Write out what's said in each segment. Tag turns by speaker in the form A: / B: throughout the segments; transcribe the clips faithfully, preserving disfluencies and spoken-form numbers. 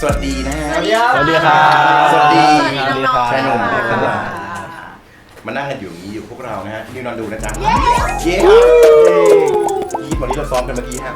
A: สวัสดีนะฮะ
B: สวัสดีครับ
C: สวัสดีครับ
A: สวัสดี
C: สวัสดีครับ
A: ชายหนุ่ม
C: สวัสดีครับ
A: มานั่งกันอยู่อย่างนี้อยู่พวกเรานะฮะนิวนอนดูนะจ๊ะเย้เย้ยี่วันนี้เราซ้อมกันเมื่อกี้ฮะ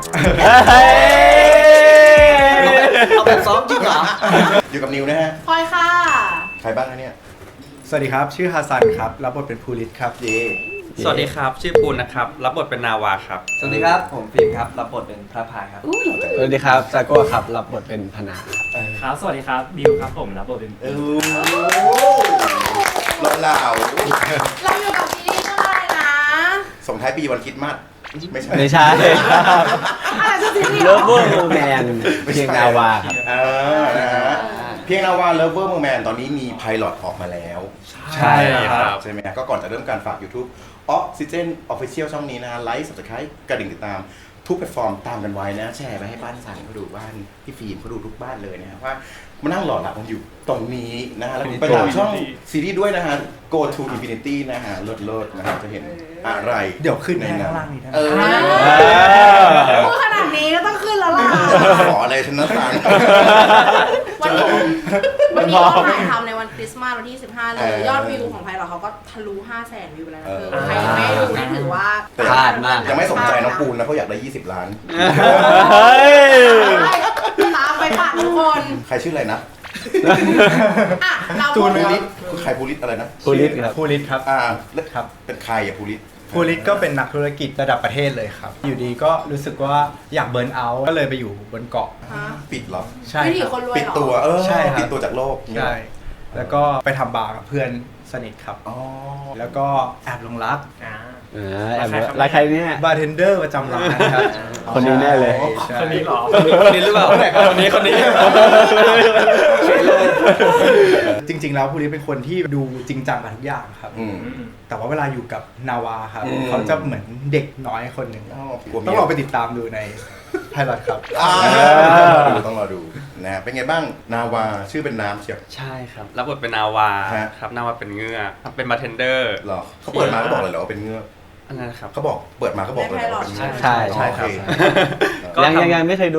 B: เอาแบบซ้อมจริงเหรอ
A: อยู่กับนิวนะฮะ
D: พลอยค่ะ
A: ใครบ้างนะเนี่ย
C: สวัสดีครับชื่อฮัสซันครับรับบทเป็นภูริศครับ
A: เย้
E: สวัสดีครับ ชื่อปูนนะครับ รับบทเป็นนาวาครับ
B: สวัสดีครับผมฟิล์มครับรับบทเป็นพระพายครับ
D: อุ้ย
F: สวัสดีครับซาโก้ครับรับบทเป็นพนาครับ
G: ครับ สวัสดีครับ บิวครับผมรับบทเป็น
A: เออเราเหล่า
D: เราอยู่กับซีรีส์เรื่องอะไรนะ
A: ส่งท้ายปีวันคริดมาสไม่ใช่
F: ไม่ใช่ครับ
D: อะไรคือซีรีส์
F: เลิฟเวอร์โรแมนเพียงนาวาครับ
A: เออนะฮะเพียงนาวาเลิฟเวอร์มูแมนตอนนี้มีไพลอตออกมาแล้ว
F: ใช่ครับ
A: ใช่ไหมฮะก็ก่อนจะเริ่มการฝาก YouTube Oxygen Official ช่องนี้นะไลค์ Subscribe กระดิ่งติดตามทุกแพลตฟอร์มตามกันไว้นะ แชร์ไปให้บ้านสันเขาดูบ้านพี่ฟิล์มเขาดูทุกบ้านเลยนะฮะว่ามานั่งหล่อหลับกันอยู่ตรงนี้นะฮะแล้วไปตามช่องซีรีส์ด้วยนะฮะ Go to Infinity นะฮะเลิศๆนะฮะจะเห็นอะไร
C: เดี๋ยวขึ้น
A: ใน
C: ให้
A: นั้
C: ข้าน งล่างนี้นะ
A: เออ
D: พูดขนาดนี้ก็ต้องขึ้นแล้วล่ะ
A: ขออะไรฉันนะสัน
D: วันนี้วันนี้เราถ่ายทำในวันคริสต์มาสวันที่สิบห้าเลย ยอดวิวของไพเราเขาก็ทะลุห้าแสนวิวแล้วนะเธอใครยังไม่ดูนี่ถือว่า
F: พลาดมาก
A: ยังไม่สนใจน้องปูนนะเขาอยากได้ยี่สิบล้าน
D: ตามไปฝากทุกคน
A: ใครชื่ออะไรนะ
D: อ่ะเรา
A: จู
D: พู
A: น
D: ด
A: ภูริศคือใครภูริศอะไรนะ
F: ภูริศครับ
C: ภูริศครับ
A: อ่า
C: ครับ
A: เป็นใครอะภูริศ
C: ภูริศก็เป็นนักธุรกิจระดับประเทศเลยครับ อยู่ดีก็รู้สึกว่าอยากเบิร์นเอาท์ก็เลยไปอยู่บนเกาะ
D: ฮะ
A: ปิดเหรอ
C: ใช่
D: วิถี
C: ครับ
D: คนรวย
A: ปิด
D: เหรอ
A: ตัวเออ
C: ใช่ครับ
A: ปิดตัวจากโลก
C: ใช่แล้วก็ไปทำบาร์กับเพื่อนสนิทครับ
A: อ๋อ
C: แล้วก็แอบหลงรัก
G: อ่า
F: อ่าแอบรายใครเนี่ย
C: บาร์เทนเดอร์ประจำร้านครับ
F: คนนี้แน่เลย
C: ใช่
G: คนนี้เหรอ
E: คนนี้หรือเปล่า คนนี้คนนี้
C: จริง ๆ แล้วภูริศเป็นคนที่ดูจริงจังกับทุกอย่างครับ
A: อืม
C: แต่ว่าเวลาอยู่กับนาวาครับ
A: อืม
C: เขาจะเหมือนเด็กน้อยคนหนึ่ง
A: อ๋อกลัวเมีย
C: ต้องลองไปติดตามดูในไพลอตครับ
A: อ่าต้องรอดูนะฮะเป็นไงบ้างนาวาชื่อเป็นน้ำเชียว
E: ใช่ครับ รับบทเป็นนาวา
A: ฮะ
E: ครับ นาวาเป็นเงือกเป็นบาร์เทนเดอร์
A: เหรอเขาเปิดมาก็บอกเลยเหรอว่าเป็นเงือก
E: อันนั้นนะครับ
A: เขาบอกเปิดมาก็บอกเลยเหรอว่าเป็นเงือก
F: ใช่ใช่
A: โอเค
E: ก็
F: ยัง
E: ทำ
F: ยังยังไม่เคยดู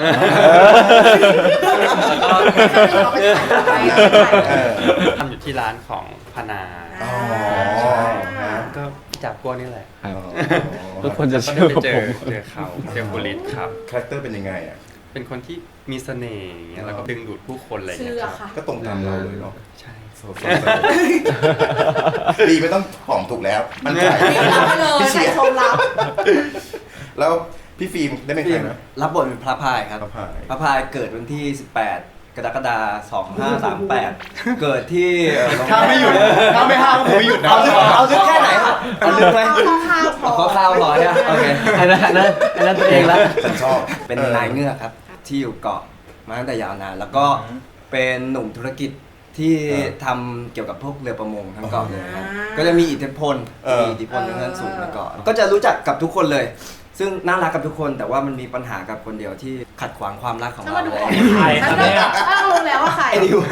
D: เราไปถ่ายไป
A: เออ
E: ทำอยู่ที่ร้านของพนา
A: อ๋อ
C: ใช่
A: ฮะ
E: ก็จับกลัวนี่แหละ
F: ครับ
A: อ๋อ
F: ทุกคนจะ
E: ก็
F: เชื่อ
E: ได้
F: กับ
E: เจ
F: ผ
E: อ
F: ม
E: เจอเขาเจอบุริสครับ
A: คาแรคเตอร์เป็นยังไงอ่ะ
E: เป็นคนที่มีเสน่ห์อย่างเงี้ยแล้วก็ดึงดูดผู้คนอะไรอย่าง
D: เชื่
E: เงี้
D: อย
E: ครับ
D: ค่ะ
A: ก็ตรงตามเราเลยเนาะ
E: ใช่
A: โซโซโซดีไม่ต้องหอมถูกแล้วมันใจ
D: นี่รับไปเลย
A: พี่
D: ใส่
A: เชียร์
D: ชมรับ
A: แล้วพี่ฟิล์มได้เป็นใครนะ
B: รับบทเป็นพระพายครับ
A: พระพาย
B: พระพายเกิดวันที่ สิบแปด กรกฎาคม สองห้าสามแปด เกิดที่เอ่อโรงแร
C: ถ้าไม่หยุดถ้าไม่ห้ามก็คงไม่หยุดนะ
B: เอาลึกเอาลึกแค่ไหนครับเอาลึกไหม
D: เอาคร่าวๆพอ
B: ขอข้าวพอเนี่ยโอเค
F: อันนั้นอันนั้นอันนั้นตัวเองละ
A: ฉันชอบ
B: เป็นนายเงือกครับ ที่อยู่เกาะมาตั้งแต่ยาวนาน แล้วก็เป็นหนุ่มธุรกิจที่ทำเกี่ยวกับพวกเรือประมงทั้งเกาะเลยครับก็จะมีอิทธิพลมีอิทธิพลค่อนข้างสูงในเกาะก็จะรู้จักกับทุกคนเลย ซึ่งน่ารักกับทุกคนแต่ว่ามันมีปัญหากับคนเดียวที่ขัดขวางความรักของ
D: ฉัน
B: เรา
D: มาดู
B: เล
D: ออก
B: ย
G: ใครค
D: ฉั
G: รั
D: น
G: บเนี่ย
D: ถ้ารู้แล้วว่าใคร
B: ไอ้ดิว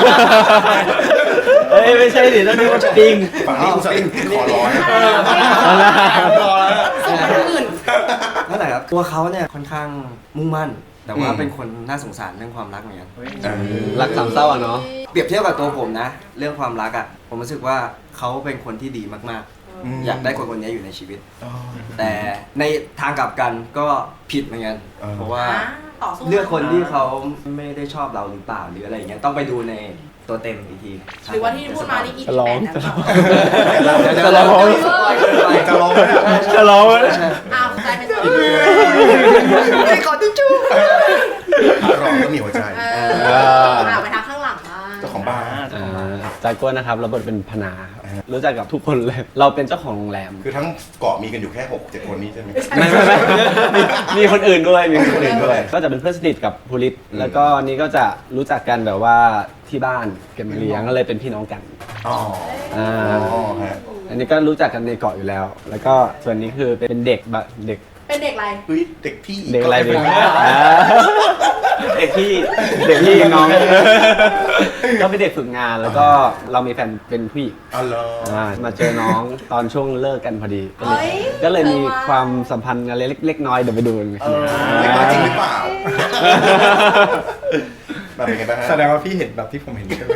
F: เอ้ยไม่ใช่ดิต้องดูว่าปิง
A: ฝั่งนี้กูสั่งขอร้อย
F: เอาละ
D: ส่งไปคนอื่น
B: นั่นแหละครับตัวเขาเนี่ยค่อนข้างมุ่งมั่น แต่ว่า
A: อืม
B: เป็นคนน่าสงสารเรื่องความรักเหมือนกัน
F: รักสามเศร้าอ่ะเนาะ
B: เปรียบเทียบกับตัวผมนะ เรื่องความรักอ่ะผมรู้สึกว่าเขาเป็นคนที่ดีมากๆ อยากได้คนคนนี้อยู่ในชีวิต
A: อ๋อ
B: แต่ในทางกลับกันก็ผิดเหมือนกัน
A: เออ
B: เพราะว่า
D: ต่อสู้
B: เลือกคนที่เขาไม่ได้ชอบเราหรือเปล่าหรืออะไรอย่างเงี้ยต้องไปดูในตัวเต็มอีกที
D: หรือว่าที่พูดมานี่อีก
F: จะร้อง
D: แปดนะ
B: เดี๋ยวเดี๋ยว
F: จะร้อง
B: เดี๋ยวสปอยเกินไป
A: จะร้องไหมเนี่ย
F: จะร้องไหม
D: อ้าวใจเป็นตัว
B: ไม่ขอติ๊กชู่
A: ร้องก็มีหัวใจ
D: เอออ่าไปทางข้างหลังบ้าง
A: เจ้าของบ้าน
F: อ่าจาก้นะครับรับบทเป็นพนาครับรู้จักกับทุกคนเลย เราเป็นเจ้าของโรงแรม
A: คือทั้งเกาะมีกันอยู่แค่หกเจ็ดคนนี้ใช่ไหม
F: ไม่ไม่ไม่มีมีคนอื่นด้วยมีคนอื่นด้วย ก็จะเป็นเพื่อนสนิทกับภูริศแล้วก็นี่ก็จะรู้จักกันแบบว่าที่บ้านเกันมาเลี้ยงก็เลยเป็นพี่น้องกัน
A: อ๋อ
F: อ่า
A: อ๋อฮะ
F: อันนี้ก็รู้จักกันในเกาะอยู่แล้ว แล้วก็ส่วนนี้คือเป็นเด็กบะเด็ก
D: เป็นเด็กอะไร
A: เฮ้ยเด็กพี่
F: เด็กอะไรเด็ก
A: ก็ม่
F: อ่าเด็กพี่เด็กพี่น้อง ก็เป็นเด็กฝึกงานแล้วก็เรามีแฟนเป็นผู้หญิง
A: อ๋อเหรอ
F: อ่ามาเจอน้องตอนช่วงเลิกกันพอดี ก็เลย
D: เฮ้ย
F: ก็เลยมี
D: เธอว่า
F: ความสัมพันธ์อะไรเล็กๆน้อยๆเดี๋ยวไปดูกัน
A: เออเด็กน้อยจริงหรือเปล่ามาเป็นไงบ้างฮะ
C: แสดงว่าพี่เห็นแบบที่ผมเห็นใช่ไหม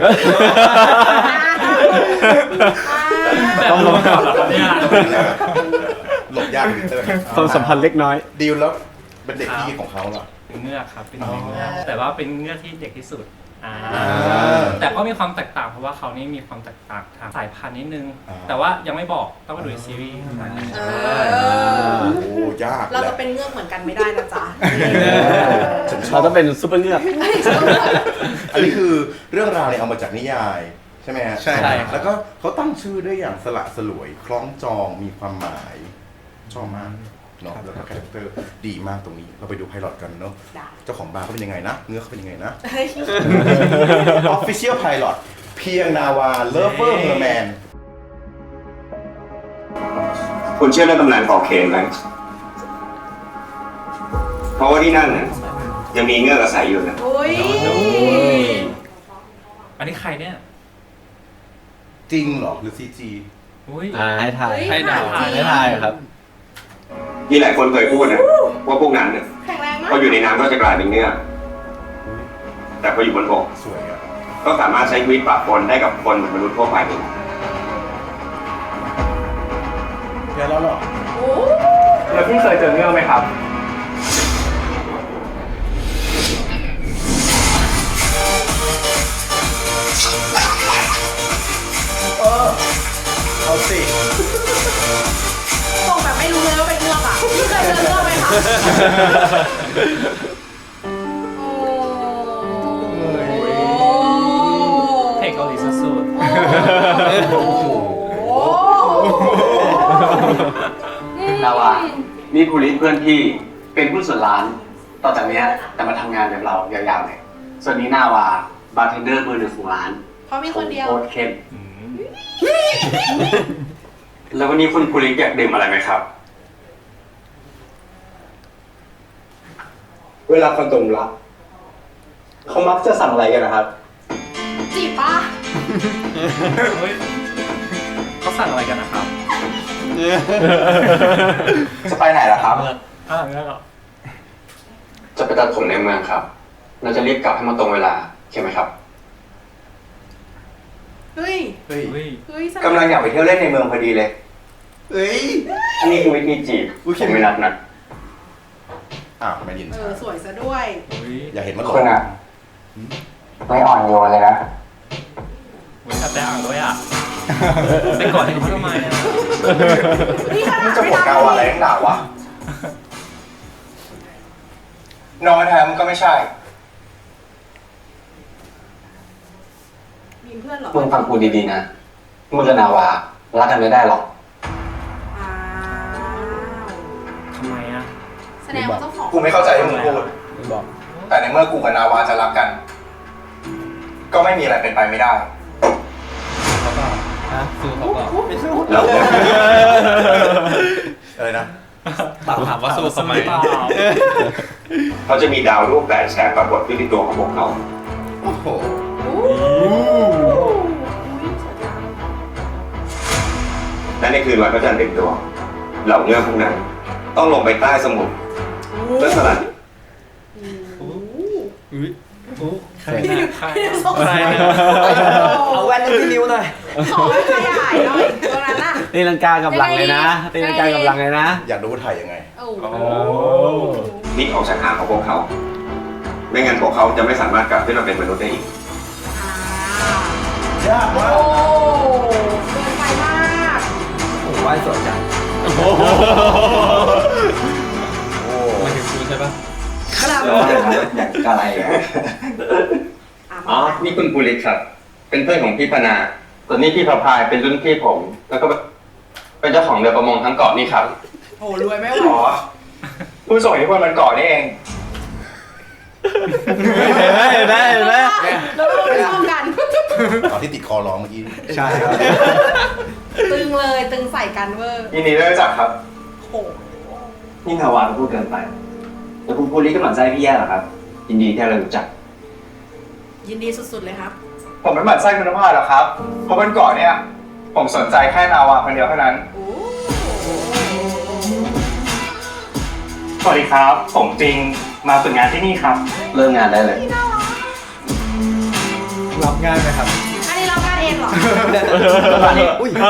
F: ต้องลงก่อน
G: เนี่ย
A: หลบยากวินเตอร์
F: ความสัมพันธ์เล็กน้อย
A: ดีลแล้วเป็นเด็กพี่ของเขาเหรอ
G: เป็นเงือกครับเป็นเงือกแต่ว่าเป็นเงือกที่เด็กที่สุดอ่า
A: อ่า
G: แต่ก็มีความแตกต่างเพราะว่าเขานี่มีความแตกต่างทางสายพันธุ์นิดนึง
A: อ่า
G: แต่ว่ายังไม่บอกต้องมาดูในซีรีส์
D: เออ
A: โอ้ยาก
D: เรา
A: แห
D: จะ
A: ละ
D: เป็นเงือกเหมือนกันไม่ได้นะจ๊ะ
A: ฉันชอ
F: เรา
A: บ
F: ต้องเป็นซูเปอร์เงือก
A: อันนี้คือเรื่องราวเนี่ยเอามาจากนิยายใช่ไหมฮะ
C: ใช่ครับ
A: แล้วก็เขาตั้งชื่อได้อย่างสละสลวยคล้องจองมีความหมายชอบมากเนาะแล้วก็คาแรคเตอร์ดีมากตรงนี้เราไปดูไพลอตกันเนาะ
D: ได้
A: เจ้าของบาร์เขาเป็นยังไงนะเงือกเขาเป็นยังไงนะ
D: เฮ้ย
A: Official Pilot เพียงนาวา Lover Merman
H: คุณเชื่อเรื่องตำนานขอเคนไหมเพราะว่าที่นั่นน่ะยังมีเงือกอาศัยอยู่นะ
D: โอ้ย
G: อันนี้ใครเนี่ย
A: จริงเหรอหรือ ซี จี
G: อุ้ย
F: อ่าให้ทาย
D: เฮ้ย
G: ให้ดาว
D: ถมจริง
F: ให้ทายครับ
H: มีหลายคนเคยพูดนะว่าพวกนั้นเนี่ย
D: แข็งแรงมาก
H: พออยู่ในน้ำก็จะกลายเป็นเงือกแต่พออยู่บนบก
A: สวยอ่ะ
H: ก็สามารถใช้ชีวิตปะปนได้กับคนเหมือนมนุษย์ทั่วไปเลย
A: แกแล้วเหรอ
D: โอ้
G: แล้วพี่เคยเจอเงือกไหมครับ
A: เอาสิ
D: ส่งแบบไม่รู้เลยว่าเป็นเงือกอ่ะพี่เคยเจอเงือกไหมคะโอ้
G: เพลงเกาหลีสุด
D: โอ้โห
H: นาวานี่ภูริเพื่อนพี่เป็นผู้นส่วนร้าน ต่อจากเนี้ยจะมาทำงานแบบเรายาวๆเลย ส่วนนี้นาวาบาร์เทนเดอร์มือหนึ่งของร้าน
D: เพราะมีคนเดียว
H: โคตรเข้มแล้ววันนี้คุณภูริอยากดื่มอะไรไหมครับ เวลาคนตรงรักเขามักจะสั่งอะไรกันนะครับ
D: จีบปะ
G: ๆเฮ้ยเขาสั่งอะไรกันนะครับ
H: จะไปไหนล่ะครับ
G: อ่าเงือกเหรอ
H: จะไปตัดผมในเมืองครับ เราจะรีบกลับให้มันตรงเวลาใช่ไหมครับ
D: เฮ้ย
A: เฮ้ย
G: เฮ้ย
D: เฮ้ย
H: กำลังอยากไปเที่ยวเล่นในเมืองพอดีเลย
A: เอ้ย
H: นี่คือวิธีจีบ
A: อุ๊ย
H: ผมไม่นับนะ
A: อ้าวไม่ยิน
D: เออสวยซะด้วย
G: เฮ้ย
A: อย่าเห็นมันหล
H: คุณ
A: ง
H: อ่ะ ไม่อ่อนโยนเลยนะ
G: เฮ้ยแต่อ่างด้วยอ่ะไปกอดให้เขาทำไมอ่ะ
D: นี่ขนาด
H: จะ
D: ไม่
H: บอก
D: ทำ
H: กาวอะไรนักหนาวะนอนแทนมันก็ไม่ใช่
D: มีเพื่อนเหรอ
H: มึงฟังกูดีๆนะ มึงกับนาวารักกันไม่ได้หรอก
D: อ้าว
G: ทำไมอ่ะ
D: แสดงว่าเจ้าของ
H: กูไม่เข้าใจที่มึงพูด
F: บอก
H: แต่ในเมื่อกูกับนาวาจะรักกัน ก็ไม่มีอะไรเป็นไปไม่ได้ แล้ว
A: อะไรนะ
E: ถามว่าสู้ทำไม
G: เปล่า
H: เขาจะมีดาวรูปแบบแสงปรากฏขึ้นที่ตัวของพวกเขา
A: โอ้โห
D: โอ้ยสวยจัง
H: และในคืนวันพระจันทร์เต็มดวงเหล่าเงือกพวกนั้น ต้องลงไปใต้สมุทรเพื่อสลัด
G: ใครนะใคร
D: สงสัย
B: เอาแว่นที่นิ้วหน่อย
D: ขอให้ขยายหน่อยตรงนั้นน่ะ
F: ตีลังกากับหลังเลยนะตีลังกากับหลังเลยนะ
A: อยากรู้ว่าถ่ายยังไง
D: โอ้โห
H: พลิกออกจากหางของพวกเขา ไม่งั้นพวกเขาจะไม่สามารถกลับขึ้นมาเป็นมนุษย์ได้อีก
D: อ่าย
A: ากมาก
D: โอ้เกินไปมาก
B: ผมว่าสวยจัง
A: โอ้โห
E: มาถึงคุณใช่ปะ
D: ครับ
H: อย่างอะไรอ๋อ นี่คุณภูริครับ เป็นเพื่อนของพี่พนาส่วนนี้พี่พระพายเป็นรุ่นพี่ผม แล้วก็เป็นเจ้าของเรือประมงทั้งเกาะนี่ครับ
D: โอ้รวยไม่ไหว
H: อ๋อ ผู้ส่งอิทธิพลมันเกาะนี่เอง
F: เห็นไหมเห็นไหมเห็นไหม
D: แล้วเราไม่ชอบกัน
A: ตอนที่ติดคอร้องเมื่อกี้
C: ใช่ครับ
D: ตึงเลยตึงใส่กันเวอร์
H: ยินดีได้รู้จักครับ
D: โอ้
H: นี่นาวาพูดเกินไป แต่คุณภูริก็หมั่นไส้พี่แย่เหรอครับ ยินดีที่เรารู้จัก
D: ยินดีสุดๆเลยครับ
H: ผมไม่หมั่นไส้คุณภาพหรอกครับ เพราะบนเกาะเนี่ย ผมสนใจแค่นาวาคนเดียวเท่านั้น
D: โอ้
G: สวัสดีครับ ผมจริงมาฝึกงานที่นี่ครับ
H: เริ่มงานได้เลย
D: น่ารัก
C: รับง่ายไหมครับ
D: อันนี้เราการเองเหรอ
B: อุ้ย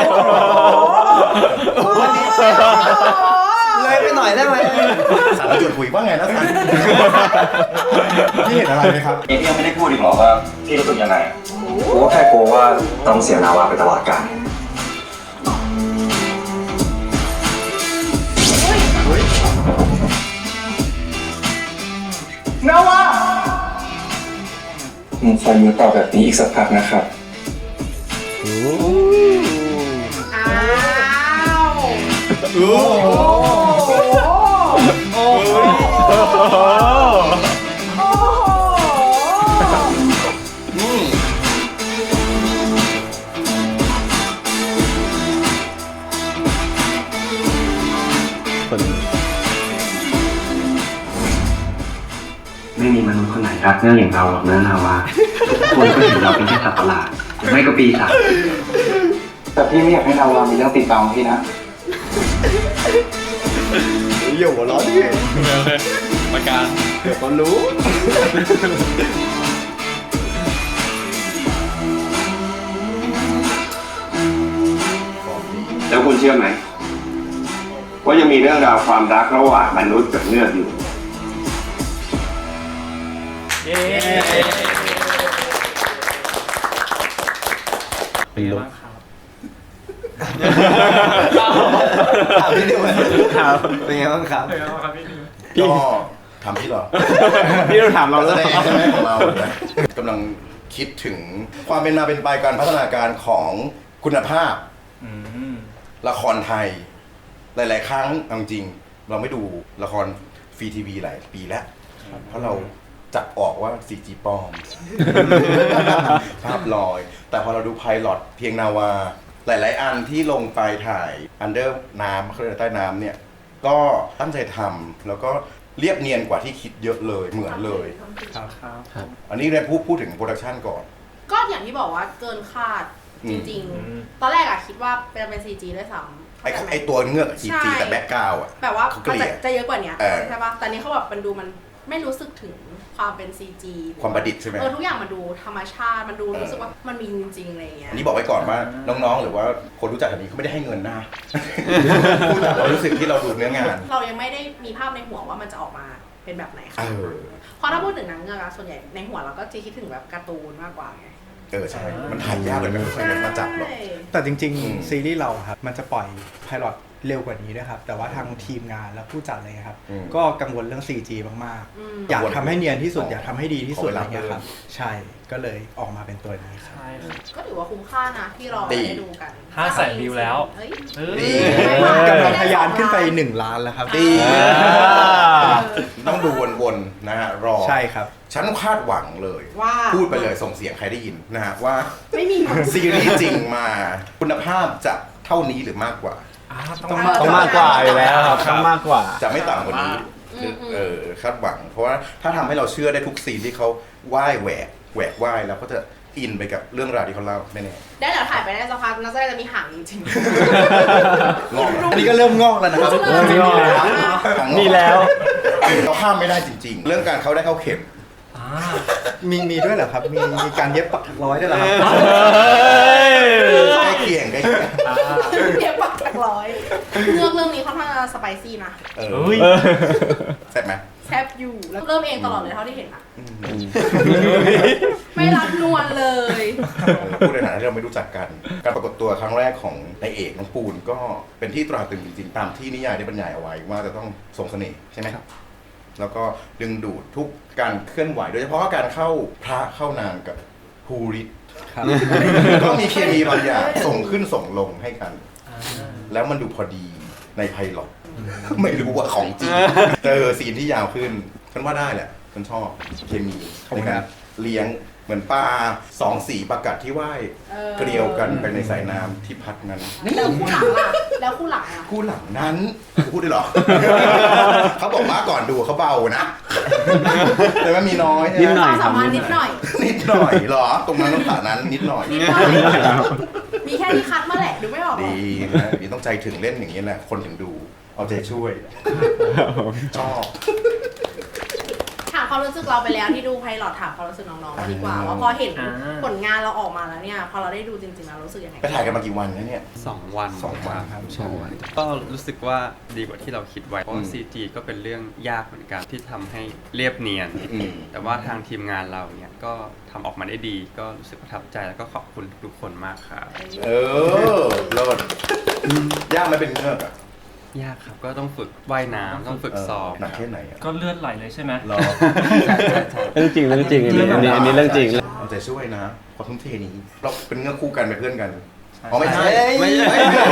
D: โอ้โห
B: เลยไปหน่อยได้ไหม
A: สารจวนคุยว่าไงนะสัน
C: พี่เห็นอะไรไหมครับ
H: พี่ยังไม่ได้พูดอีกหรอว่าพี่รู้สึกยังไงกูก็แค่กลัวว่าต้องเสียนาวาไปตลอดกาลนาวาผมขออยู่ต่อแบบนี้อีกสักพักนะครับ
D: อ้าวโอ้โหโอ้โหโอ้โห
F: คน
H: ไม่มีมนุษย์คนไหนรักเนื้ออย่างเราหรอกนะนาวาทุกคนก็เห็นเราเป็นแค่สัตว์ประหลาดหรือไม่ก็ปีศาจแต่พี่ไม่อยากให้นาวามีเรื่องติดบังพี่นะ
A: อย่าหัวเร้อนดิ
E: ประการ
A: เดี๋ยวก็รู้
H: แล้วคุณเชื่อไหมว่ายังมีเรื่องราวความรักระหว่างมนุษย์กับเงือกอยู่
G: เย้
F: เป็นลุก
B: ถามพี่ดิวเป็นไงบ้างครับ
A: ก็ถามพี่เหรอ
F: พี่ต้องถามเรา
A: แส
F: แล้ว
A: ดงใช่ไหมของเราเนี่ยกำลังคิดถึงความเป็นมาเป็นไปการพัฒนาการของคุณภาพ
G: อืม
A: ละครไทย หลาย ๆ ครั้งเอาจริงๆเราไม่ดูละครฟรีทีวีหลายปีแล้ว เพราะเราจับออกว่า ซี จี ปลอม ภาพลอย แต่พอเราดูไพลอตเพียงนาวา หลาย ๆ อันที่ลงไปถ่ายอันเดอร์น้ำเขาเรียกใต้น้ำเนี่ย ก็ตั้งใจทำแล้วก็เรียบเนียนกว่าที่คิดเยอะเลยเหมือนเลย
C: ครับ
G: ครับ
A: อันนี้เนี่ยพูดพูดถึงโปรดักชันก่อน
D: ก็อย่างที่บอกว่าเกินคาด
A: อื
D: จ
A: ม
D: ริง
G: อืม
D: ๆ ตอนแรกอะคิดว่าเป็นเป็น ซี จี ด้วยซ้ำ
A: ไอ้ไอ้ตัวเงือกจีจีแต่แบ็กกราวด์อ่ะ
D: แบบว่า
A: เขาเก
D: มัน
A: ลี่
D: จะ
A: ย
D: จะเยอะกว่านี้
A: เออ
D: ใช่ปะแต่นี้เขาแบบมันดูมันไม่รู้สึกถึงความเป็น ซี จี
A: ความประดิษฐ์ใช่ไหม
D: เออทุกอย่างมันดูธรรมชาติ มันดู
A: เออ
D: รู้สึกว่ามันมีจริงๆอะไรอย่างเงี้ย
A: อันนี้บอกไว้ก่อนว่าน้องๆ หรือว่าคนรู้จักแบบนี้เขาไม่ได้ให้เงินนะ พูดจากความรู้สึกที่เราดูเนื้องาน
D: เรายังไม่ได้มีภาพในหัวว่ามันจะออกมาเป็นแบบไหน
A: เอ
D: ค่ะ
A: อ
D: เพราะถ้าพูดถึงหนังเงือกอะส่วนใหญ่ในหัวเราก็จะคิดถึงแบบการ์ตูนมากกว่าไง
A: เออใช่ มันถ่ายยากเลยไม่ค่อยได้มาจับหรอก
D: ใช่
C: แต่จริง
A: อืม
C: ๆ ซีรีส์เราครับ มันจะปล่อยไพลอตเร็วกว่านี้ด้วยครับ แต่ว่าทางทีมงานและผู้จัดเลยครับ
A: อืม
C: ก็กังวลเรื่อง ซี จี มาก
D: อืม
C: ๆ อยากทำให้เนียนที่สุด
A: อ๋อ
C: อ
A: อ
C: ยากทำให้ดีที่สุด
A: ขอ
C: อะ
A: เว
C: ไร
A: ลา
C: เงี้ยครับ
A: เพิ่ม
C: ใช่ ก็เลยออกมาเป็นตัวนี้ครับ
G: ใช่ครับ
D: ก็ถือว่าคุ้มค่านะที่เรา
A: ดี
D: ได้ดูกัน
G: ห้าแสนวิวแล้ว
D: เฮ้ย
G: เอ้ย
A: ดี
C: กำลังทะยานขึ้นไปหนึ่งล้านแล้วครับ
A: ดี
D: เออ
A: ต้องดูวนๆ นะฮะ รอ
C: ใช่ครับ
A: ฉันคาดหวังเลย
D: ว่า
A: พูดไปเลยส่งเสียงใครได้ยินนะฮะว่า
D: ไม่มี
A: ซีรีส์จริงมาคุณภาพจะเท่านี้หรือมากกว่า
G: อ่า
C: ต้อง
F: ต้องมากกว่าอยู่แล้วครับต้องมากกว่า
A: จะไม่ต่ำกว่านี้
D: อืมอืม
A: เออคาดหวัง เพราะว่าถ้าทำให้เราเชื่อได้ทุกซีนที่เขาว่ายแหวกแหวกว่ายแล้วก็จะอินไปกับเรื่องราวที่เขาเล่าแน่
D: ได้เดี๋ยวถ่ายไปได้สักพักน่าจะจะมีหางจริง
A: ๆงอก
C: อันนี้ก็เริ่มงอกแล้วนะครับ
D: เริ่มงอกแล้ว
F: มีแล้ว
A: เราห้ามไม่ได้จริง ๆ เรื่องการเขาได้เข้าเข็ม
G: อ่า
C: มีมีด้วยเหรอครับ มีมีการเย็บปักร้อยด้วยเหรอครับ
A: ใกล้เคียงใกล้เคียง
G: อ่า
D: เรียกปักจากร้อยเรื่องเรื่องนี้ค่อนข้างจะสไปซี่นะ
A: เออ
G: เฮ้ย
A: แซ่บไหม
D: แซบอยู่แล้วเริ่มเองตลอดเลยเท่าที่เห็นอะ
A: อืม
D: ไม่รับนวลเลย
A: เออพูดในฐานะที่เราไม่รู้จักกัน การปรากฏตัวครั้งแรกของนายเอกน้องปูนก็เป็นที่ตราตรึงจริงๆ ตามที่นิยายได้บรรยายเอาไว้ว่าจะต้องทรงเสน่ห์ใช่ไหมครับ แล้วก็ดึงดูดทุกการเคลื่อนไหว โดยเฉพาะการเข้าพระเข้านางกับภูริต
C: ครับ
A: ก็มีเคมีบางอย่างส่งขึ้นส่งลงให้กัน แล้วมันดูพอดีในไพลอตไม่รู้ว่าของจริงเจอซีนที่ยาวขึ้นฉันว่าได้แหละฉันชอบเคมี
C: ขอบ
A: ใน
C: คุณ
A: กา
C: ค
A: ร
C: รับ
A: เลี้ยงเหมือนปลาสองสีประกัดที่ว่าย
D: เออ
A: เกลียวกันไปในสายน้ำที่พัดนั้น
D: แล้วคู่หลังล่ะแล้วคู่หลังอะ
A: คู่หลังนั้นพูดได้หรอ เขาบอกว่าก่อนดูเขาเบานะ แต่ว่ามีน้อย
F: นิดหน่
D: ค
F: อ
D: วาย มสามารถนิดหน่อย
A: นิดหน่อยเหรอ ตรงนั้นต้องผ่านั้นนิดหน่อย
D: นิดหน่อยมีแค่ที่คัดมาแหละดูไม่ออกหรอก
A: ดีนะนี่ต้องใจถึงเล่นอย่างนี้แหละ คนถึงดู เอาใจช่วย ชอบ
D: ถามความรู้สึกเราไปแล้วที่ดูไพลอตถามความรู้สึกน้องๆมาดีกว่าว่าพอเห็น
G: อ่า
D: ผลงานเราออกมาแล้วเนี่ยพอเราได้ดูจริงๆเรารู้สึกยังไง
A: ไปถ่ายกันมากี่วันแล้วเนี่ย
E: สองวัน
A: สองวัน
E: ครับสองวันก็รู้สึกว่าดีกว่าที่เราคิดไว้ เพราะว่า ซี จี ก็เป็นเรื่องยากเหมือนกันที่ทำให้เรียบเนียน
A: อืม
E: แต่ว่าทางทีมงานเราเนี่ยก็ทำออกมาได้ดี ก็รู้สึกประทับใจแล้วก็ขอบคุณทุกคนมากครับ
A: เออโลดยากไหมเป็นเงือกอะ
E: ยากครับก็ต้องฝึกว่ายน้ำต้องฝึกซ้อม
A: หนักแค่ไหนอะ
G: ก็เลือดไหลเลยใช่ไหม
A: รอ
B: ใช่ใช่ใช่
F: เรื่องจริงเรื่องจริงอันนี้อันนี้อันนี้เรื่องจริง
A: เอาใจช่วยนะความทุ่มเทนี้เราเป็นเงือกคู่กันเป็นเพื่อนกันอ๋อไม่ใช่
B: ไม่ใช่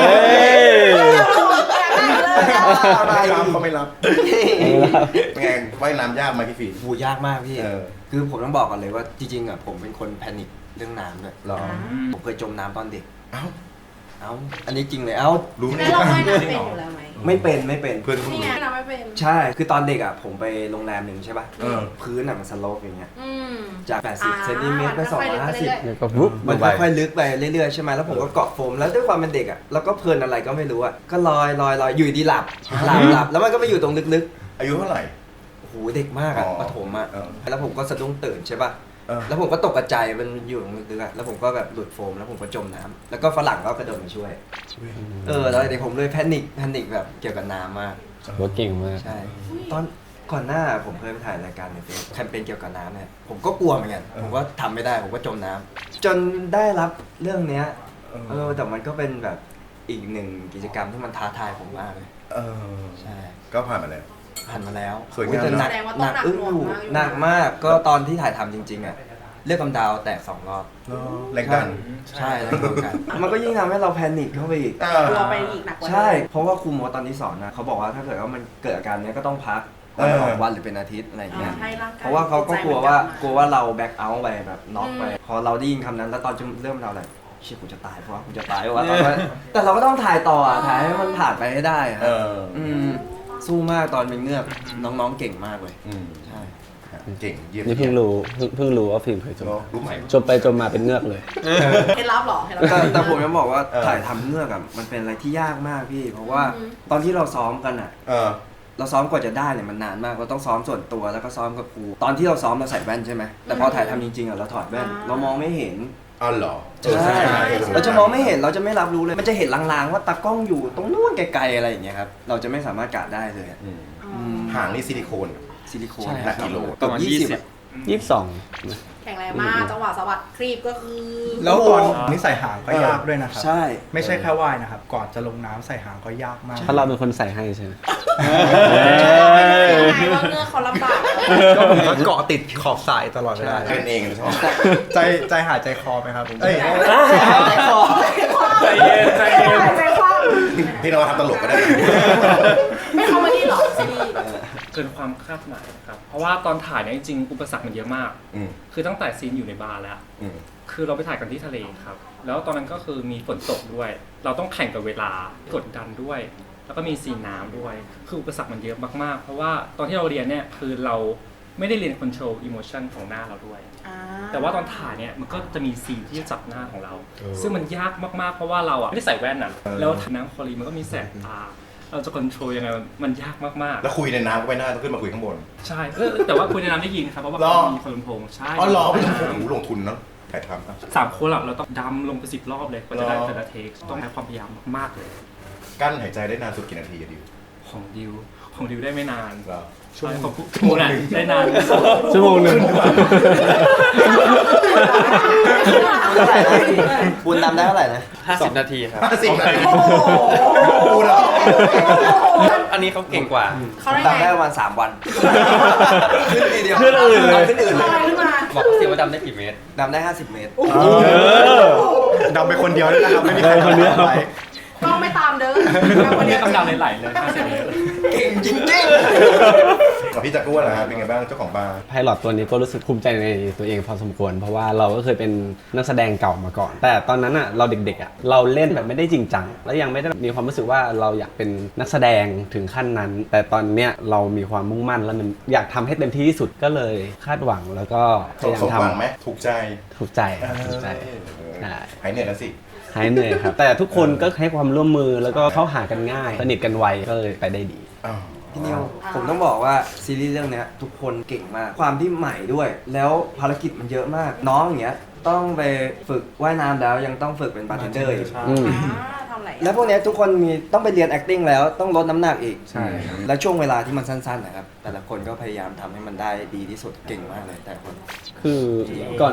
A: ไม่รับเขาไม่รับเป็นไงว่ายน้ำยากไหมพี่ฟี
B: โหยากมากพี่
A: เออ
B: คือผมต้องบอกก่อนเลยว่าจริงๆอ่ะผมเป็นคนแพนิคเรื่องน้ำด้วย
A: รอ
B: ผมเคยจมน้ำตอนเด็ก
A: เอ้า
B: เอ้า อันนี้จริงเลย เอ้า
A: รู้ไหม
D: แล้วเราว่ายน้ำเป็นอยู่แล้วไหม
B: ไม่เป็นไม่เป็น
A: เพื่อนเขา
D: นี่
A: รู้
D: ไงเราไม่เป็น
B: ใช่ คือตอนเด็กอ่ะผมไปโรงแรมหนึ่งใช่ป่ะ
A: เออ
B: พื้นอ่ะมันสโลปอย่างเงี้ย
D: อืม
B: จาก แปดสิบ
D: อ่า
B: เซนติเมตรไป
D: มัน
B: สอง
D: ค่อยๆ
B: ร้อยห้าสิบ
D: เรื่อย
F: แล้วก็ปุ๊บ
B: มัน
F: ไป
B: ค่อยๆลึกไปเรื่อยๆใช่ไหมแล้วผมก็เกาะโฟมแล้วด้วยความเป็นเด็กอ่ะเราก็เพลินอะไรก็ไม่รู้อ่ะก็ลอยลอยลอยอยู่ดีหลับหลับหลับแล้วมันก็ไปอยู่ตรงลึก
A: อายุเท่าไหร่
B: ๆโอ้โหเด็กมากอ่ะ
A: อ๋อ
B: ประถมอ่ะ
A: เออ
B: แล้วผมก็สะดุ้งตื่นใช่ป่ะ
A: เออ
B: แล้วผมก็ตกกระจายมันอยู่ตรงลึกๆอ่ะแล้วผมก็แบบหลุดโฟมแล้วผมก็จมน้ำแล้วก็ฝรั่งก็กระโดดมาช่วย เออแล้วเด็กผมเลยแพนิคแพนิคแบบเกี่ยวกับน้ำมาก
F: ว่าเก่งมาก
B: ใช่ ตอนก่อนหน้าผมเคยไปถ่ายรายการในเฟซแคมเปญเกี่ยวกับน้ำเนี่ยผมก็กลัวเหมือนกันผมก็ทำไม่ได้ผมก็จมน้ำจนได้รับเรื่องเนี้ยเออแต่มันก็เป็นแบบอีกหนึ่งกิจกรรมที่มันท้าทายผมมากเลย
A: เออ
B: ใช่
A: ก็ผ่านมาแล้ว
B: ผ่านมาแล้ว
A: สวยงาม
B: อุ๊แต่หนัก
D: แสดงว่า
B: ห
D: ต้อ
B: นั
D: ง
B: ก
D: หนัก
B: อึ้ง
D: หน่ว
B: อง ยู่
D: มากอยู่
B: หนักมากก็ตอนที่ถ่ายทำจริงๆอ่ะเลือดกำดาวแตกสองรอบ
A: แรงดัน
B: ใช่แล้วก็กันมันก็ยิ่งทำให้เราแพนิคเข้าไปอีก
A: อ่
D: กลัว
A: า
D: ไปอีกหนักกว่าเดิม
B: ใช่ เพราะว่าครูโมตอนที่สอนนะเขาบอกว่าถ้าเกิดว่ามันเกิดอาการเนี้ยก็ต้องพักวันสองวันหรือเป็นอาทิตย์อะไรอย่างเงี้ย
D: ให้ร่างกาย
B: เพราะว่าเขาก็กลัวว่า
D: ใจมันกลับมาก
B: ลัวว่าเราแบ็คเอาท์ไปแบบน็อกไป
D: อืม
B: พอเราได้ยินคำนั้นแล้วตอนจะเริ่มเราอะไรเชี่ยกูจะตายเพราะว่ากูจะตายเพราะว่าตอนนั้นแต่เราก็ต้องถ่ายต่ออะถ่ายให้มันผ่านไปให้ได้อะ
A: เออ
B: อืมสู้มากตอนเป็นเงือกน้องๆเก่งมากเลย
A: อืม
B: ใช่
A: เก่งเยี่ยม
F: นี่เพิ่งรู้เพิ่งเพิ่งรู้ว่าฟิล์มเคยจม
A: เนอะรู้ไหม
F: จมไปจมมาเป็นเงือกเลย
D: เคล็ดลับเหรอเคล็ดลับ
B: แต่แต่ผมจะบอกว่า
A: เออ
B: ถ่ายทำเงือกอะมันเป็นอะไรที่ยากมากพี่ เพราะว่า
D: อืม
B: ตอนที่เราซ้อมกันอะ
A: เออ
B: เราซ้อมกว่าจะได้เนี่ยมันนานมากเราต้องซ้อมส่วนตัวแล้วก็ซ้อมกับครูตอนที่เราซ้อมเราใส่แว่นใช่ไหมแต่พอถ่ายทำจริงๆอะเราถอดแว่น
D: อ่า
B: เรามองไม่เห็น
A: อ๋อเหรอ
B: ใช่
A: เออ
B: เราจะมองไม่เห็นเราจะไม่รับรู้เลย มันจะเห็นลางๆว่าตากล้องอยู่ตรงนู้นไกลๆอะไรอย่างเงี้ยครับเราจะไม่สามารถกะได้เลยอะ
A: อืม
D: อืม
A: หางนี่ซิลิโคน
B: ซิลิโคน
E: ใช่
A: หนักกิโล
B: เกับ
E: ประมาณ
B: ยี่สิบ
E: ยี่สิบ
B: อะ
F: ยี่สิบสอง
D: แข็งแรงมากจังหวะสะบัดครีบก็คือ
C: แล้วก่อนนี่ใส่หางก็ยากด้วยนะครับ
B: ใช่
C: ไม่ใช่แค่ว่ายนะครับ ก่อนจะลงน้ำใส่หางก็ยากมาก
F: ถ้าเราเป็นคนใส่ให้ใช่ไหม
D: ยังไงว่าเงือกเขาลำบาก
C: ก็ผมก็เกาะติดขอบสายตลอดเวลา
A: เป็นเองชอบ
C: ใจใจหายใจคอไหมครับเอ้ย
B: ใจคอ
G: ใจเย็นใจเย็น
D: ใจคว่
A: พี่น้องทำตลกก็ได้
D: ำไม่เขามาดีหรอซีรีส์
G: เกินความคาดหมายครับ เพราะว่าตอนถ่ายเนี่ยจริงๆอุปสรรคมันเยอะมาก
A: อืม
G: คือตั้งแต่ซีนอยู่ในบาร์แล้ว
A: อืม
G: คือเราไปถ่ายกันที่ทะเลครับ แล้วตอนนั้นก็คือมีฝนตกด้วย เราต้องแข่งกับเวลากดดันด้วย แล้วก็มีซีนน้ำด้วย คืออุปสรรคมันเยอะมากๆ เพราะว่าตอนที่เราเรียนเนี่ยคือเราไม่ได้เรียน control emotion ของหน้าเราด้วย แต่ว่าตอนถ่ายเนี่ยมันก็จะมีซีนที่จะจับหน้าของเรา ซึ่งมันยากมากๆ เพราะว่าเราอ่ะไม่ได้ใส่แว่นอ่ะ แล้วน้ำคลอรีนมันก็มีแสงตา เราจะ control ยังไงมันยากมากๆ
A: แล้วคุยในน้ำก็ไม่น่าต้องขึ้นมาคุยข้างบน
G: ใช่เออแต่ว่าคุยในน้ำได้ยินครับ เพราะว่า
A: หรอ
G: เขามีคนลำโพงใช่
A: อ๋อเหรอไม่
G: ใช่
A: ต้องผมลงทุนเนาะถ่ายทำอ่ะ
G: สามคนอะเราต้องดำลงไปสิบรอบเลยกว่าจะได้
A: หรอ
G: แต่ละเทค ต้องใช้ความพยายามมากๆเลย
A: กั้นหายใจได้นานสุดกี่นาทีอะดิว
G: ของดิว ของดิวได้ไม่นาน
A: เหรอ
G: ใช่ของคุณคุณอะได้นาน
F: ชั่วโมงหนึ่ง
B: คุณนำได้เท่าไหร่นะ
E: ห้าสิบนาทีครับ
A: ห้าสิบนาที
D: โอ้โห
A: พูดแล้ว
E: อันนี้เขาเก่งกว่า
D: เขาได้
B: ตาม
D: ไง
B: ได้ประมาณสามวัน ขึ้นทีเดียว
F: ขึ้นอื่นเลย
B: ขึ้นอื่น
D: ล
B: เล
D: อย
B: ย
D: ขึ้นมา
E: บอกสิว่าดำได้กี่เมตร
B: ดำได้ห้าสิบเมตร
C: ดำไปคนเดียวด้วยนะครับ ไม่มีใคร
F: คนเดียว
C: ดำไป
D: ก็ไม่ตามเด้อ
G: วันนี้กำลังไหลๆเลยห้าสิบเลย
B: เก่งจริง
A: กับพี่จักรวาลนะครับเป็นไงบ้างเจ้าของบาร์
F: ไพลอตตัวนี้ก็รู้สึกภูมิใจในตัวเองพอสมควร เพราะว่าเราก็เคยเป็นนักแสดงเก่ามาก่อน แต่ตอนนั้นอ่ะเราเด็กๆอ่ะเราเล่นแบบไม่ได้จริงจังและยังไม่ได้มีความรู้สึกว่าเราอยากเป็นนักแสดงถึงขั้นนั้น แต่ตอนเนี้ยเรามีความมุ่งมั่นและมันอยากทำให้เต็มที่ที่สุดก็เลยคาดหวังแล้วก็พ
A: ส
F: ยายาม
A: มหวัง
F: ทำ
A: ไหมถูกใจ
F: ถูกใจถูกใจ
A: เออ
F: ใช่
A: หายเหนื่อยแล้วสิ
F: หายเหนื่อยครับ แต่ทุกคนก็ให้ความร่วมมือแล้วก็เข้าหากันง่าย สนิทกันไวก็เลยไปได้ดี
A: อ้าว
B: พี่นิว
D: อ่า
B: ผมต้องบอกว่าซีรีส์เรื่องเนี้ยทุกคนเก่งมาก ความที่ใหม่ด้วย แล้วภารกิจมันเยอะมาก น้องอย่างเงี้ยต้องไปฝึกว่ายน้ำแล้วยังต้องฝึกเป็นบาร์เทนเดอร์อีก
F: อืม
D: อ่าทำอะไรอ่ะ
B: แล้วพวกเนี้ยทุกคนมีต้องไปเรียน acting แล้วต้องลดน้ำหนักอีก
C: ใช่
B: และช่วงเวลาที่มันสั้นๆนะครับ แต่ละคนก็พยายามทำให้มันได้ดีที่สุดเก่งมากเลยแต่ละคน
F: คือก่อน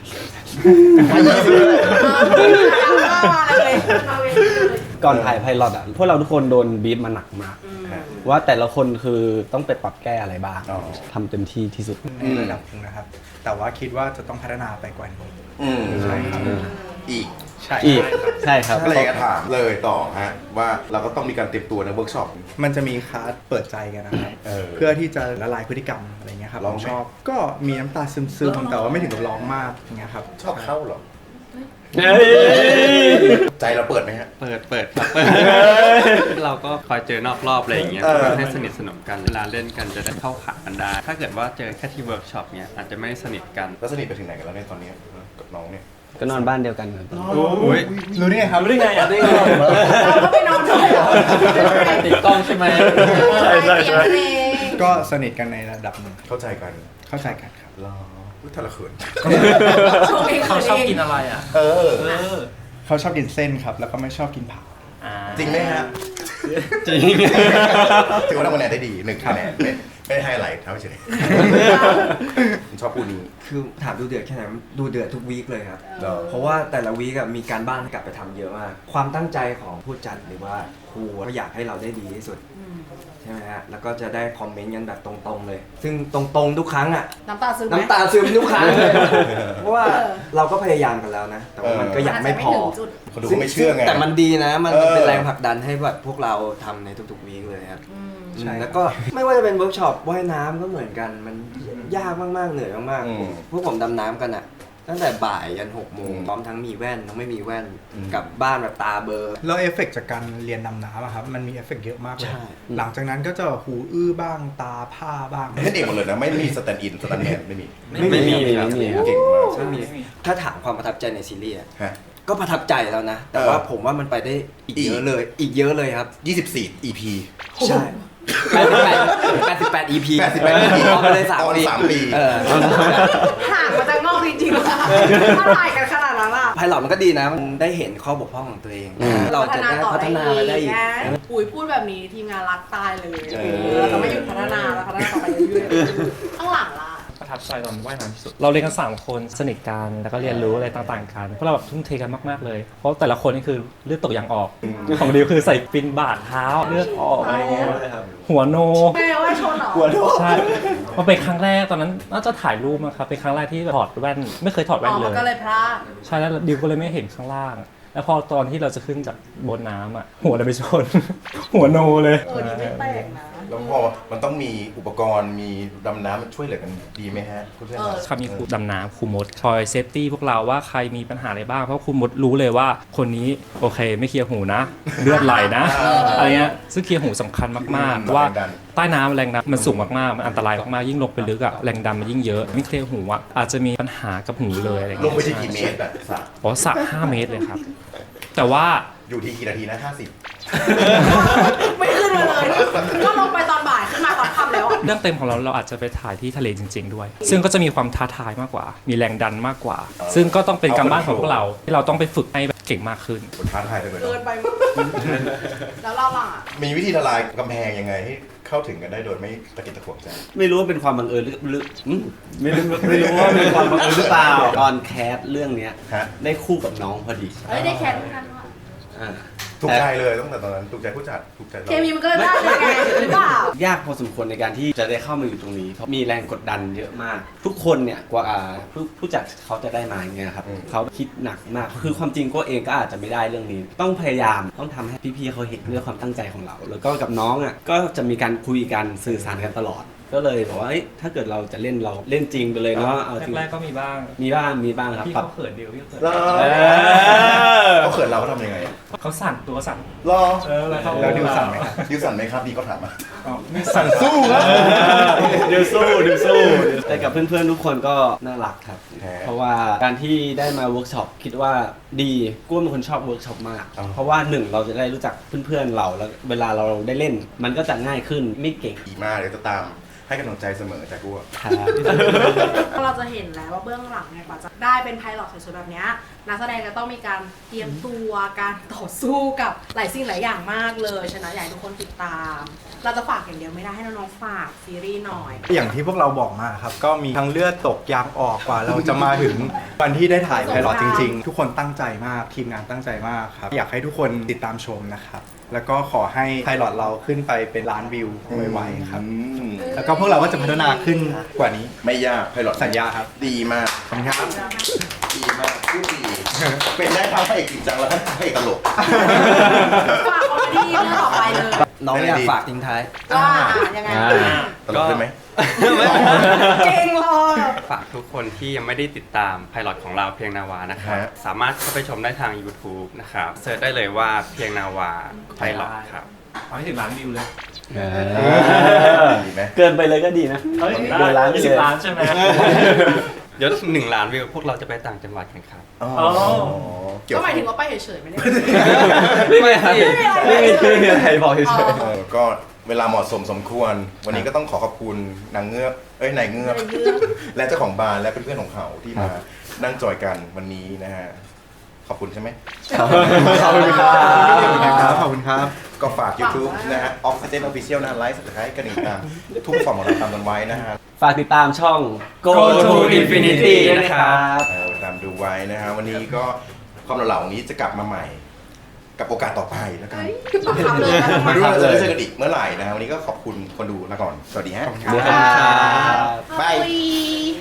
F: ก่อนถ่ายไพลอตอ่ะพวกเราทุกคนโดนบีบมาหนักมาก ว่าแต่ละคนคือต้องไปปรับแก้อะไรบ้าง
A: อ๋อ
F: ทำเต็มที่ที่สุด
C: ในระดับหนึงนะครับ แต่ว่าคิดว่าจะต้องพัฒนาไปกว่านี้
A: อืม
C: ใช่ครับ
A: อีก
C: ใช่
F: อีกใช่ครับ
A: ก็เลยอยากจะถามเลยต่อฮะว่าเราก็ต้องมีการเตรียมตัวในเวิร์กช็อป
C: มันจะมีคลาสเปิดใจกันนะครับ
A: เออ
C: เพื่อที่จะละลายพฤติกรรมอะไรเงี้ยครับ
A: ร้อง
C: ผม
A: ไหม
C: ชอบ ก็มีน้ำตาซึมๆ แต่ว่าไม่ถึงกับร้องมากอย่างเงี้ยครับ
A: ชอบเข้าเหรอ
F: เฮ้ย
A: ใจเราเปิดไหมฮะ
E: เปิดเปิดครับเปิด เราก็คอยเจอนอกรอบอะไรอย่างเงี้ย
A: เออ
E: ให้สนิทสนมกันเวลาเล่นกันจะได้เข้าขากันได้ ถ้าเกิดว่าเจอแค่ที่เวิร์กช็อปเนี้ยอาจจะไม่สนิทกัน
A: แล้วสนิทไปถึงไหนกันแล้วเนี่ยตอนนี้กับน้องเนี่ย
F: ก็นอนบ้านเดียวกันครับ
E: อุ้ย
C: รู้ได้ไงครับ
E: รู้ได้ไงอ่ะได้ไง
D: เราก็ไปนอนด้วยเหรอ
E: ติดกล้องใช่ไหม
D: ใช่ใช่ใช่
C: ก็สนิทกันในระดับหนึ่ง
A: เข้าใจกัน
C: เข้าใจกันครับ
A: รออุ๊ยทะละเขิน
G: เขาชอบกินอะไรอ่ะ
A: เออ
C: เขาชอบกินเส้นครับ แล้วก็ไม่ชอบกินผัก
A: จริงไหมฮะ
F: จริง
A: ถือว่าทำคะแนนได้ดีหนึ่งคะแนนไม่ไม่ได้ไฮไลท์เท่าเฉยผมชอบพูดนี้
B: คือถามดูเดือดแค่ไหนดูเดือดทุกวีคเลยครับ
A: เออ
B: เพราะว่าแต่ละวีคอะมีการบ้านให้กลับไปทำเยอะมาก ความตั้งใจของผู้จัดหรือว่าครูก็อยากให้เราได้ดีที่สุดใช่ไหมฮะ แล้วก็จะได้คอมเมนต์กันแบบตรงๆเลย ซึ่งตรงๆทุกครั้งอะ
D: น้ำตาซึมไหม
B: น้ำตาซึมทุกครั้งเลย เพราะว่าเราก็พยายามกันแล้วนะ แต่ว่ามันก็ยังไม่พอ
D: จุด
A: คนดูก็ไม่เชื่อไง
B: แต่มันดีนะ มัน
A: เออ
B: เป็นแรงผลักดันให้แบบพวกเราทำในทุกๆวีคเลยครับ
C: ใช่
B: แล้วก็ไม่ว่าจะเป็นเวิร์กช็อปว่ายน้ำก็เหมือนกัน มันยากมากๆ เหนื่อยมาก
A: อืม
B: ๆ พวกผมดำน้ำกันอะตั้งแต่บ่ายยันหกโมง
A: อืม
B: พร้อมทั้งมีแว่นทั้งไม่มีแว่น
A: อืม
B: กลับบ้านแบบตาเบลอ
C: แล้วเอฟเฟกต์จากการเรียนดำน้ำอะครับ มันมีเอฟเฟกต์เยอะมากเลย
B: ใช่
C: หลังจากนั้นก็จะหูอื้อบ้างตาผ้าบ้าง
A: เล่นเองหมดเลยนะ ไม่มีสแตนด์อินสแตนด์แมนไม่มี
F: ไม่มีไม่มีครับ
A: เก่งมาก
B: ไม่มีถ้าถามความประทับใจในซีรีส์อะ
A: ฮะ
B: ก็ประทับใจแล้วนะ แต่
A: เออ
B: ว่าผมว่ามันไปได้อีก
A: อีก
B: เยอะเลย อีกเยอะเลยครับ
A: ยี่สิบสี่ อี พี
B: ใช่แปดสิบแปด แปดสิบแปด อี พี
A: แปดสิบแปด อี พี
B: เอาไปเลยสาม
A: ตอน
B: ปี
A: สามปี
B: เออ
D: ห่างมาจากนอกจริงๆว่ะถ้าถ่ายกันขนาดนั้นอ่ะ
B: ไพลอตมันก็ดีนะ มันได้เห็นข้อบกพร่องของตัวเอง
F: อืม
B: เราจะได้พัฒนาไปได้อีก
D: นะปุ๋ยพูดแบบนี้ทีมงานรักตายเลย
A: เออ
D: เราจะไม่หยุดพัฒนาแล้วพัฒนาต่อไปเรื่อยๆข้างหลังล่ะ
G: ประทับใจตอนว่ายน้ำที่สุด เราเรียนกันสามคนสนิทกันแล้วก็เรียนรู้อะไรต่างๆกันพวกเราแบบทุ่มเทกันมากๆเลย เพราะแต่ละคนนี่คือเลือดตกยางออก ของดิวคือใส่ฟินบาดเท้าเลือดออกอะไรเงี้ยหัวโน
D: แม่ว่าชนเหรอ
G: ใช่มันเป็นครั้งแรกตอนนั้นน่าจะถ่ายรูปนะครับเป็นครั้งแรกที่ถอดแว่นไม่เคยถอด
D: อ๋
G: แว่น
D: อ
G: เล
D: มัน
G: ย
D: ก็เลยพลาด
G: ใช่แล้วดิวก็เลยไม่เห็นข้างล่าง แล้วพอตอนที่เราจะขึ้นจากบนน้ำอ่ะหัวเราไปชน หัวโนเลย
D: เออนี่ไม่แปลกนะ
A: แล้วพอมันต้องมีอุปกรณ์มีดำน้ำมันช่วยเหลือกันดีไหมฮะคุณเพื่อน
D: เออ
G: เขามีครูดำน้ำครูมดคอยเซฟตี้พวกเราว่าใครมีปัญหาอะไรบ้าง เพราะครูมดรู้เลยว่าคนนี้โอเคไม่เคลียร์หูนะ เลือดไหลนะ อะไรเงี้ยซึ่งเคลียร์หูสำคัญมากๆเพราะว่าใต้น้ำแรงดันมันสูงมากๆมันอันตรายมากๆยิ่งลงไปลึกอะแรงดันมันยิ่งเยอะไม่เคลียร์หูอะอาจจะมีปัญหากับหูเลยอะไร
A: ล
G: เงี้
A: ง
G: ย
A: ไปที่กี่เมตรอะสระ
G: อ๋อสระห้าเมตรเลยครับ แต่ว่า
A: อยู่ที่กี่นาทีนะห้าสิบ
D: ไม่ขึ้นมาเลย ก็ลงไปตอนบ่ายขึ้นมาตอนค่ำแล้วอะ
G: เรื่องเต็มของเราเราอาจจะไปถ่ายที่ทะเลจริง ๆ ด้วย ซึ่งก็จะมีความท้าทายมากกว่า มีแรงดันมากกว่า ซึ่งก็ต้องเป็นการบ้านของพวกเราที่เราต้องไปฝึกให้เก่งมากขึ้น
A: คนท้าทายจังเลย
D: เกิ
A: เนาะ
D: นไปมากแล้วเราล่ะ
A: มีวิธีทลายกำแพงยังไงให้เข้าถึงกันได้โดยไม่ตะกิดตะขวงใจ
F: ไม่รู้ว่าเป็นความบังเอิญหรือหรืออืมไม่รู้ไม่รู้ว่าเป็นความบังเอิญหรือเปล่าตอนแคสเรื่องเนี้ย
A: ฮะ
F: ได้คู่กับน้องพอดี
D: เอ้ยได้แคทเหมือนกันว่ะ
F: อ่า
A: ถูกใจเลยตั้งแต่ตอนนั้นถูกใจผู้จัดถูกใจเรา
D: เคมีมันก็เลยได้ยังไงหรือเปล่า
F: ยากพอสมควรในการที่จะได้เข้ามาอยู่ตรงนี้เพราะมีแรงกดดันเยอะมาก ทุกคนเนี่ยกว่าอ่าผู้ผู้จัดเขาจะได้มาอย่างเงี้ยครับเขาคิดหนักมากคือความจริงก็เองก็อาจจะไม่ได้เรื่องนี้ ต้องพยายามต้องทำให้พี่ๆเขาเห็นเรื่องความตั้งใจของเรา แล้วก็กับน้องอ่ะก็จะมีการคุยกันสื่อสารกันตลอดก็เลยบอกว่าเอ้ยถ้าเกิดเราจะเล่นเราเล่นจริงไปเลยเนาะเอาจริง
G: แรกๆก็มีบ้าง
F: มีบ้างมีบ้างครับ
G: พี่
F: ปรับ
G: เขาเขินเดียวพี่เขาเขิน
A: รอ
F: เออ
A: เขาเขินเราเขาทำยังไง
G: เขาสั่นตัวสั่น
A: รอ
G: เออแล้วเขา
C: แล้วดิวสั่นไหมครับ
A: ดิวสั่นไหมครับดีก็ถามมา
G: อ๋อไม่
A: สั่นสู้ครับ
F: เดี๋ยวสู้เดี๋ยวสู้แต่กับเพื่อนๆทุกคนก็น่ารักครับ
A: แหม
F: เพราะว่าการที่ได้มาเวิร์กช็อปคิดว่าดีกุ้มเป็นคนชอบเวิร์กช็อปมาก
A: อ๋อ
F: เพราะว่าหนึ่งเราจะได้รู้จักเพื่อนๆเราแล้วเวลาเราได้เล่น มันก็จะง่ายขึ้นไม่เก่ง
A: ดีมากเดี๋ยวจะตามให้กำลังใจเสมอจากกูอะ
F: ครับ
D: เราจะเห็นแล้วว่าเบื้องหลังเนี่ยกว่าจะได้เป็นไพลอตสวยๆแบบเนี้ยนักแสดงจะต้องมีการเตรียมตัวการต่อสู้กับหลายสิ่งหลายอย่างมากเลยฉะนั้นอยากให้ทุกคนติดตาม เราจะฝากอย่างเดียวไม่ได้ให้น้องๆฝากซีรีส์หน่อย
C: อย่างที่พวกเราบอกมาครับ ก็มีทั้งเลือดตกยางออกกว่าเราจะมาถึงวันที่ได้ถ่ายไพลอตจริงๆ ทุกคนตั้งใจมากทีมงานตั้งใจมากครับ อยากให้ทุกคนติดตามชมนะครับ แล้วก็ขอให้ไพลอตเราขึ้นไปเป็นล้านวิวไวๆครับ
A: อืม
C: แล้วก็พวกเราก็จะพัฒนาขึ้นกว่านี้
A: ไม่ยากไพลอต
C: สัญญาครับ
A: ดีมาก
C: ขอบคุณครับ
A: ดีมากพูดดี เป็นได้ทั้งพระเอกจริงจังแล้วก็พระเอกตลก
D: ฝากคอมเมดี้เรื่องต่อไปเลย
B: น้องอยากฝากทิ้งท้าย
D: ว่ายังไง
F: อ่า
A: ตลกได้ไหม
D: เก่งเลย
E: ฝากทุกคนที่ยังไม่ได้ติดตามไพลอตของเราเพียงนาวานะครับ
A: ฮะ
E: สามารถเข้าไปชมได้ทาง YouTube นะครับเสิร์ชได้เลยว่าเพียงนาวาไพลอตครับ
G: เอาให้ถึงล้านวิวเลย
F: เอ
A: อ
F: อ
A: ดีไหม
F: เกินไปเลยก็ดีนะ
G: เฮ้ย
F: เดือนล้านไป
G: ยี่
F: เล
G: สิบ
F: ย
G: ล้านใช่ไหม
E: เดี๋ยวหนึ่งล้านวิวพวกเราจะไปต่างจังหวัดกันครับ
A: อ๋อ
G: อ๋อ
A: เกี่ยว
D: ก็หมายถึงว่าไปเฉยๆไม่ได้
F: ไม่มีอะไรไม่มีไม่มีอะไรบอกเฉย
A: เออก็เวลาเหมาะสมสมควร วันนี้ก็ต้องขอขอบคุณนางเงือก เอ้ยนายเงือก
D: นายเงือก
A: และเจ้าของบาร์และเพื่อนๆของเขาที่มานั่งจอยกันวันนี้นะฮะ ขอบคุณใช่ไหม
F: ๆขอบคุณครับ
C: ครับขอบคุณครับ
A: ก็ฝาก YouTube นะฮะ Oxygen Official นะไลฟ์สุดท้ายกันอีกตามทุกฟอร์มของเราตามกันไว้นะฮะ
F: ฝากติดตามช่อง Go to Infinity นะครับ
A: เออตามดูไว้นะฮะ วันนี้ก็ความเหล่าๆนี้จะกลับมาใหม่ กับโอกาสต่อไปแล้วกัน
D: บังคับเลยนะ
A: ไม่รู้ว่าเราจะได้เจอกันอีกเมื่อไหร่นะฮะวันนี้ก็ขอบคุณคนดูลาก่อน สวัสดีฮะ
F: สวัสดีครับ
A: บาย
D: Bye.